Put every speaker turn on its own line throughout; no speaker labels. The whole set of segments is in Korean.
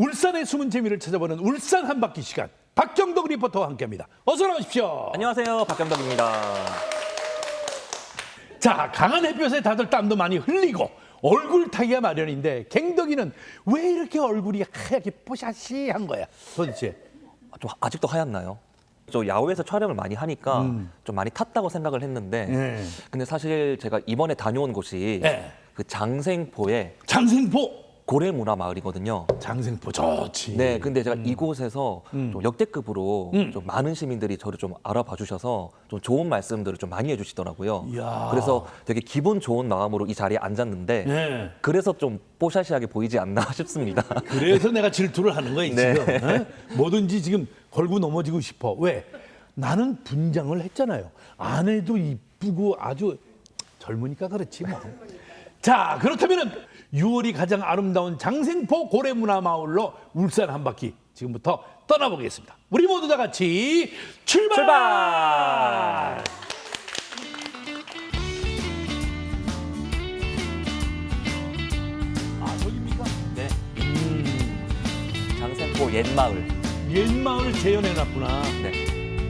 울산의 숨은 재미를 찾아보는 울산 한 바퀴 시간. 박경덕 리포터와 함께합니다. 어서 나오십시오.
안녕하세요, 박경덕입니다.
자, 강한 햇볕에 다들 땀도 많이 흘리고 얼굴 타기가 마련인데 갱덕이는 왜 이렇게 얼굴이 하얗게 뽀샤시한 거야 도대체?
좀 아직도 하얗나요? 저 야외에서 촬영을 많이 하니까 좀 많이 탔다고 생각을 했는데 근데 사실 제가 이번에 다녀온 곳이 그 장생포의
장생포.
고래문화마을이거든요.
장생포 좋지.
네, 근데 제가 이곳에서 좀 역대급으로 좀 많은 시민들이 저를 좀 알아봐 주셔서 좀 좋은 말씀들을 좀 많이 해주시더라고요.
이야.
그래서 되게 기분 좋은 마음으로 이 자리에 앉았는데
네.
그래서 좀 뽀샤시하게 보이지 않나 싶습니다.
그래서 내가 질투를 하는 거야
네.
지금. 어? 뭐든지 지금 걸고 넘어지고 싶어. 왜? 나는 분장을 했잖아요. 아내도 이쁘고 아주 젊으니까 그렇지 뭐. 자, 그렇다면은 6월이 가장 아름다운 장생포 고래문화마을로 울산 한 바퀴 지금부터 떠나보겠습니다. 우리 모두 다 같이 출발!
출발!
아, 저기입니까?
네. 장생포 옛마을.
옛마을 재현해놨구나.
네.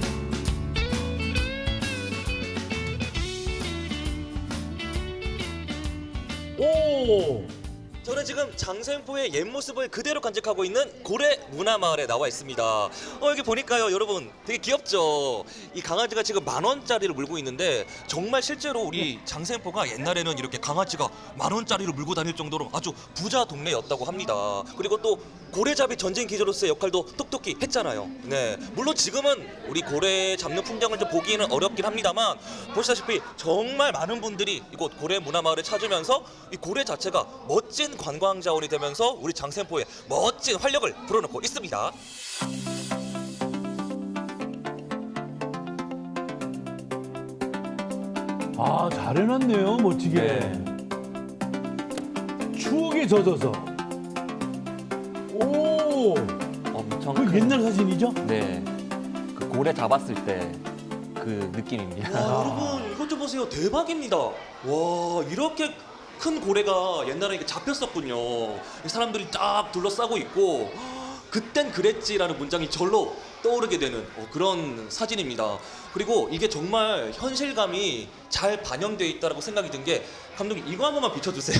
오!
저는 지금 장생포의 옛 모습을 그대로 간직하고 있는 고래 문화마을에 나와 있습니다. 여기 보니까요, 여러분 되게 귀엽죠? 이 강아지가 지금 10,000원짜리를 물고 있는데 정말 실제로 우리 장생포가 옛날에는 이렇게 강아지가 10,000원짜리를 물고 다닐 정도로 아주 부자 동네였다고 합니다. 그리고 또 고래잡이 전쟁 기지로서의 역할도 똑똑히 했잖아요. 네, 물론 지금은 우리 고래 잡는 풍경을 좀 보기는 어렵긴 합니다만 보시다시피 정말 많은 분들이 이곳 고래 문화마을을 찾으면서 이 고래 자체가 멋진 관광 자원이 되면서 우리 장생포에 멋진 활력을 불어넣고 있습니다.
아, 잘 해놨네요, 멋지게.
네.
추억에 젖어서. 오!
엄청
그
큰-
옛날 사진이죠?
네. 그 고래 잡았을 때 그 느낌입니다.
와, 여러분 이것 좀 보세요. 대박입니다. 와, 이렇게 큰 고래가 옛날에 이렇게 잡혔었군요. 사람들이 쫙 둘러싸고 있고 그땐 그랬지라는 문장이 절로 떠오르게 되는 그런 사진입니다. 그리고 이게 정말 현실감이 잘 반영되어 있다고 생각이 든 게 감독님 이거 한 번만 비춰주세요.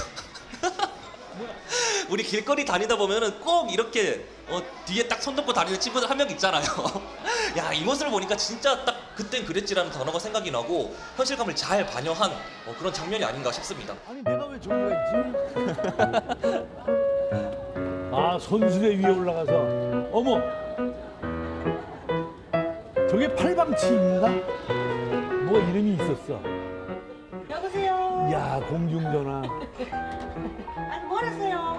우리 길거리 다니다 보면은 꼭 이렇게 뒤에 딱 손 놓고 다니는 친구들 한 명 있잖아요. 야, 이 모습을 보니까 진짜 딱 그땐 그랬지라는 단어가 생각이 나고 현실감을 잘 반영한 그런 장면이 아닌가 싶습니다.
아니, 내가 왜 저기가 있지? 아, 손수레 위에 올라가서. 어머! 저게 팔방치인가? 뭐 이름이 있었어.
여보세요.
야, 공중전화.
아니 뭘 하세요?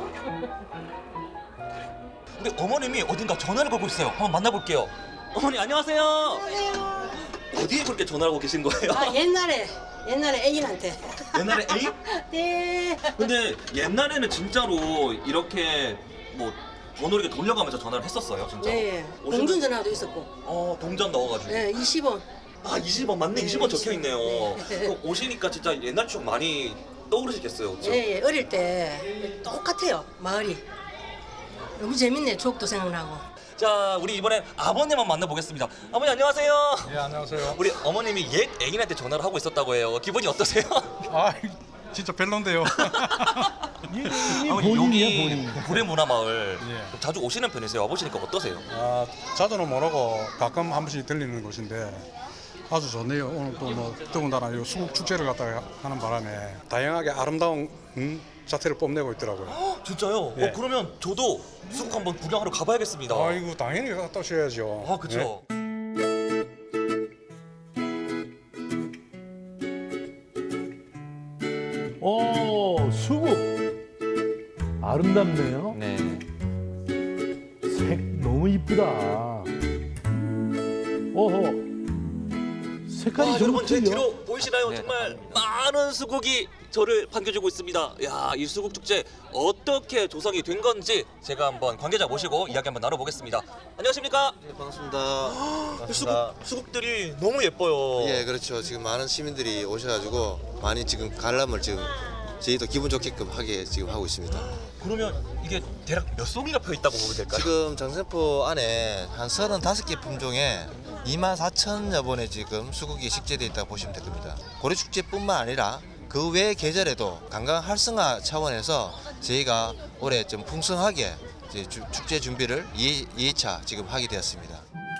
근데 어머님이 어딘가 전화를 걸고 있어요. 한번 만나볼게요. 어머니 안녕하세요.
안녕하세요.
어디에 그렇게 전화를 하고 계신 거예요?
아 옛날에 애인한테.
옛날에 에이?
네.
근데 옛날에는 진짜로 이렇게 뭐 번호를 이렇게 돌려가면서 전화를 했었어요, 진짜.
네. 공중 전화도 있었고.
동전 넣어가지고.
네 20원.
아, 20원 맞네.
네,
20원 적혀 있네요.
네.
그럼 오시니까 진짜 옛날 추억 많이 떠오르시겠어요, 그렇죠?
예, 어릴 때 똑같아요 마을이. 너무 재밌네 추억도 생각나고.
자, 우리 이번엔 아버님 한번 만나보겠습니다. 아버님 안녕하세요.
예, 안녕하세요.
우리 어머님이 옛 애인한테 전화를 하고 있었다고 해요. 기분이 어떠세요?
아, 진짜 별론데요.
이
아버님,
본인이야,
여기
본인.
고래문화마을
예.
자주 오시는 편이세요? 와보시니까 어떠세요?
아, 자주는 모르고 가끔 한 번씩 들리는 곳인데 아주 좋네요. 오늘 또 뭐 더군다나 이 수국 축제를 갖다가 하는 바람에 다양하게 아름다운 자태를 뽐내고 있더라고요.
진짜요?
예.
그러면 저도 수국 한번 구경하러 가봐야겠습니다.
아이고 당연히 갔다 오셔야죠.
아, 그쵸?
오, 수국. 아름답네요.
네.
색 너무 이쁘다. 어허. 색깔이
와,
좀
여러분 제
틀려.
뒤로 보이시나요?
네,
정말 많은 수국이 저를 반겨주고 있습니다. 야, 이 수국 축제 어떻게 조성이 된 건지 제가 한번 관계자 모시고 이야기 한번 나눠보겠습니다. 안녕하십니까?
반갑습니다.
수국들이 너무 예뻐요.
예, 그렇죠. 지금 많은 시민들이 오셔가지고 많이 지금 관람을 지금 저희도 기분 좋게끔 하게 지금 하고 있습니다.
그러면 이게 대략 몇 송이가 펴 있다고 보면 될까요?
지금 장생포 안에 한 35개 품종에 24,000여 번의 지금 수국이 식재되어 있다고 보시면 될 겁니다. 고래축제뿐만 아니라 그 외 계절에도 관광 활성화 차원에서 저희가 올해 좀 풍성하게 이제 축제 준비를 2회차 지금 하게 되었습니다.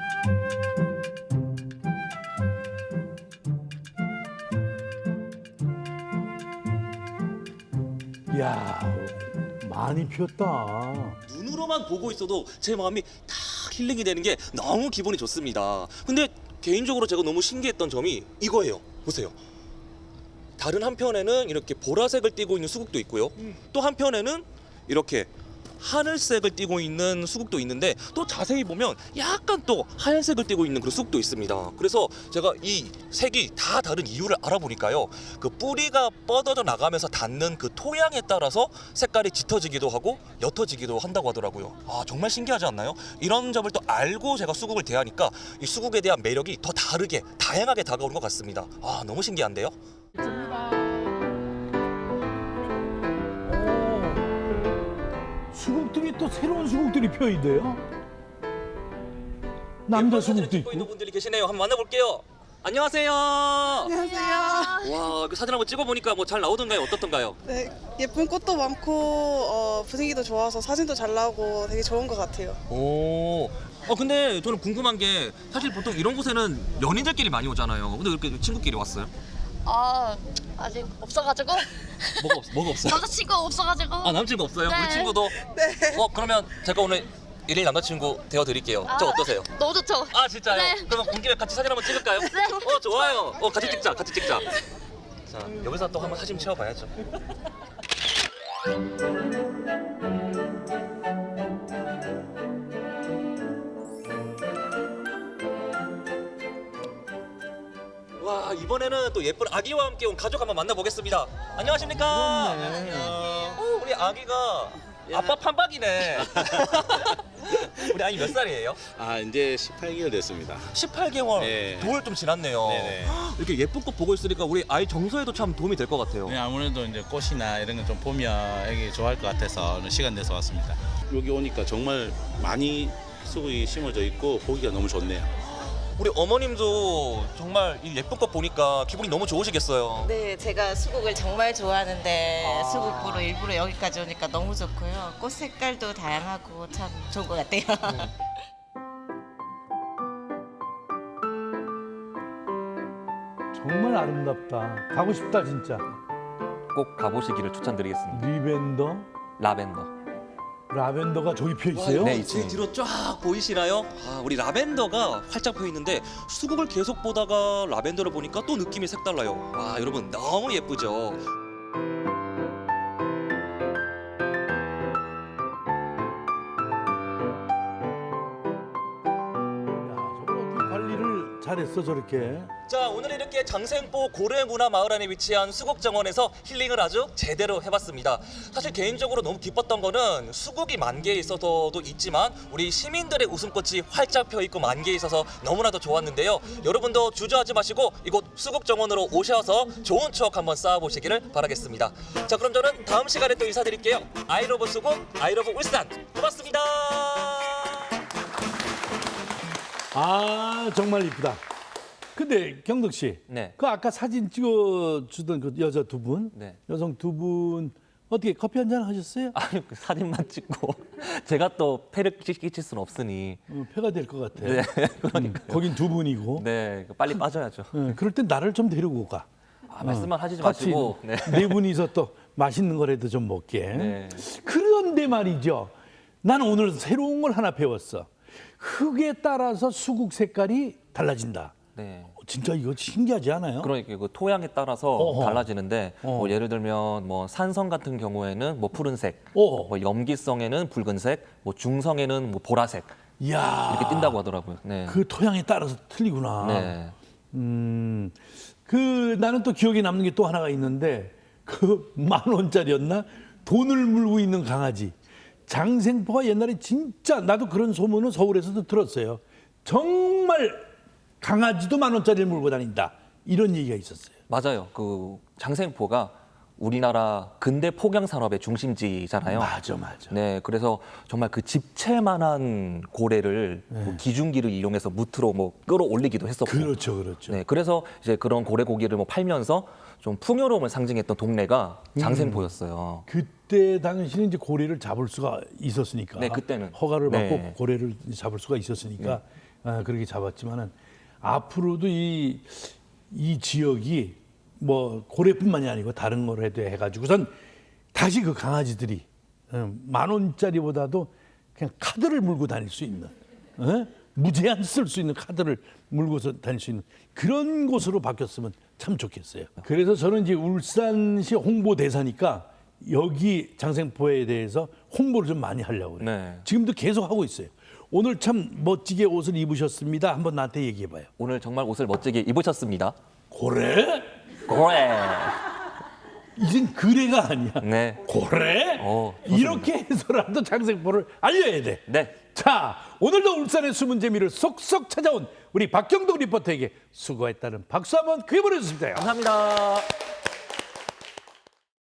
이야, 많이 피었다.
눈으로만 보고 있어도 제 마음이 다 힐링이 되는 게 너무 기분이 좋습니다. 근데 개인적으로 제가 너무 신기했던 점이 이거예요. 보세요. 다른 한편에는 이렇게 보라색을 띠고 있는 수국도 있고요. 또 한편에는 이렇게 하늘색을 띠고 있는 수국도 있는데 또 자세히 보면 약간 또 하얀색을 띠고 있는 그런 수국도 있습니다. 그래서 제가 이 색이 다 다른 이유를 알아보니까요. 그 뿌리가 뻗어져 나가면서 닿는 그 토양에 따라서 색깔이 짙어지기도 하고 옅어지기도 한다고 하더라고요. 아, 정말 신기하지 않나요? 이런 점을 또 알고 제가 수국을 대하니까 이 수국에 대한 매력이 더 다르게 다양하게 다가오는 것 같습니다. 아, 너무 신기한데요?
수국들이 또 새로운 수국들이 펴 있대요. 남자 수국도
찍고 있는
있고.
분들이 계시네요. 한번 만나볼게요. 안녕하세요.
안녕하세요.
와, 그 사진 한번 찍어보니까 뭐 잘 나오던가요? 어떻던가요?
네, 예쁜 꽃도 많고 분위기도 좋아서 사진도 잘 나오고 되게 좋은 것 같아요.
오. 근데 저는 궁금한 게 사실 보통 이런 곳에는 연인들끼리 많이 오잖아요. 근데 이렇게 친구끼리 왔어요?
아직 없어가지고
뭐가 없어요?
남자친구 없어가지고
아, 남친구 없어요?
네.
우리 친구도?
네.
그러면 제가 오늘 일일 남자친구 되어드릴게요. 저 어떠세요?
너무 좋죠.
아, 진짜요?
네.
그러면 온 김에 같이 사진 한번 찍을까요?
네.
좋아요. 같이 찍자. 자, 여기서 또 한번 사진 채워봐야죠. 와, 이번에는 또 예쁜 아기와 함께 온 가족 한번 만나보겠습니다. 안녕하십니까? 안녕. 우리 아기가 아빠 판박이네. 우리 아기 몇 살이에요?
이제 18개월 됐습니다.
18개월.
네.
9월 좀 지났네요.
네네.
이렇게 예쁜 꽃 보고 있으니까 우리 아이 정서에도 참 도움이 될 것 같아요.
네, 아무래도 이제 꽃이나 이런 거 좀 보면 애기 좋아할 것 같아서 오늘 시간 내서 왔습니다. 여기 오니까 정말 많이 수국이 심어져 있고 보기가 너무 좋네요.
우리 어머님도 정말 이 예쁜 꽃 보니까 기분이 너무 좋으시겠어요.
네, 제가 수국을 정말 좋아하는데 수국 보러 일부러 여기까지 오니까 너무 좋고요. 꽃 색깔도 다양하고 참 좋은 것 같아요.
정말 아름답다. 가고 싶다 진짜.
꼭 가보시기를 추천드리겠습니다.
리벤더,
라벤더.
라벤더가 저기 펴 있어요.
네,
제
있습니다.
뒤로 쫙 보이시나요? 우리 라벤더가 활짝 펴 있는데 수국을 계속 보다가 라벤더를 보니까 또 느낌이 색달라요. 와, 여러분 너무 예쁘죠?
야, 저걸 어떻게 관리를 잘했어 저렇게.
자, 오늘 이렇게 장생포 고래문화마을 안에 위치한 수국정원에서 힐링을 아주 제대로 해봤습니다. 사실 개인적으로 너무 기뻤던 거는 수국이 만개에 있어서도 있지만 우리 시민들의 웃음꽃이 활짝 펴있고 만개에 있어서 너무나도 좋았는데요. 여러분도 주저하지 마시고 이곳 수국정원으로 오셔서 좋은 추억 한번 쌓아보시기를 바라겠습니다. 자, 그럼 저는 다음 시간에 또 인사드릴게요. 아이러브 수국, 아이러브 울산. 고맙습니다.
아 정말 이쁘다. 근데 경덕 씨,
네.
그 아까 사진 찍어주던 그 여자 두 분,
네.
여성 두 분 어떻게 커피 한잔 하셨어요?
아니, 그 사진만 찍고 제가 또 폐를 끼칠 수는 없으니.
폐가 될 것 같아.
네, 그러니까.
거긴 두 분이고.
네, 빨리 빠져야죠.
그럴 땐 나를 좀 데리고 가.
말씀만 하시지
같이
마시고. 네.
네 분이서 또 맛있는 거라도 좀 먹게.
네.
그런데 말이죠. 나는 오늘 새로운 걸 하나 배웠어. 흙에 따라서 수국 색깔이 달라진다.
네.
진짜 이거 신기하지 않아요?
그러니까 그 토양에 따라서
어허.
달라지는데 뭐 예를 들면 뭐 산성 같은 경우에는 뭐 푸른색,
어허.
뭐 염기성에는 붉은색, 뭐 중성에는 뭐 보라색
이야.
이렇게 띈다고 하더라고요. 네.
그 토양에 따라서 틀리구나.
네.
그 나는 또 기억에 남는 게 또 하나가 있는데 그 10,000원짜리였나? 돈을 물고 있는 강아지. 장생포가 옛날에 진짜 나도 그런 소문은 서울에서도 들었어요. 정말 강아지도 10,000원짜리를 물고 다닌다. 이런 얘기가 있었어요.
맞아요. 그 장생포가 우리나라 근대 폭양 산업의 중심지잖아요.
맞아.
네, 그래서 정말 그 집채만한 고래를 뭐 기중기를 이용해서 무트로 뭐 끌어올리기도 했었고.
그렇죠.
네, 그래서 이제 그런 고래 고기를 뭐 팔면서 좀 풍요로움을 상징했던 동네가 장생포였어요.
그때 당시는 이제 고래를 잡을 수가 있었으니까.
네, 그때는.
허가를 받고
네.
고래를 잡을 수가 있었으니까 그렇게 잡았지만은 앞으로도 이 지역이 뭐 고래뿐만이 아니고 다른 걸 해도 해가지고선 다시 그 강아지들이 10,000원짜리보다도 그냥 카드를 물고 다닐 수 있는 무제한 쓸 수 있는 카드를 물고서 다닐 수 있는 그런 곳으로 바뀌었으면 참 좋겠어요. 그래서 저는 이제 울산시 홍보대사니까 여기 장생포에 대해서 홍보를 좀 많이 하려고 그래요.
네.
지금도 계속 하고 있어요. 오늘 참 멋지게 옷을 입으셨습니다. 한번 나한테 얘기해봐요.
오늘 정말 옷을 멋지게 입으셨습니다.
고래?
고래.
이젠 그래가 아니야.
네.
고래? 이렇게 해서라도 장생포를 알려야 돼.
네.
자, 오늘도 울산의 숨은 재미를 속속 찾아온 우리 박경동 리포터에게 수고했다는 박수 한번 그에 보내주십니다.
감사합니다.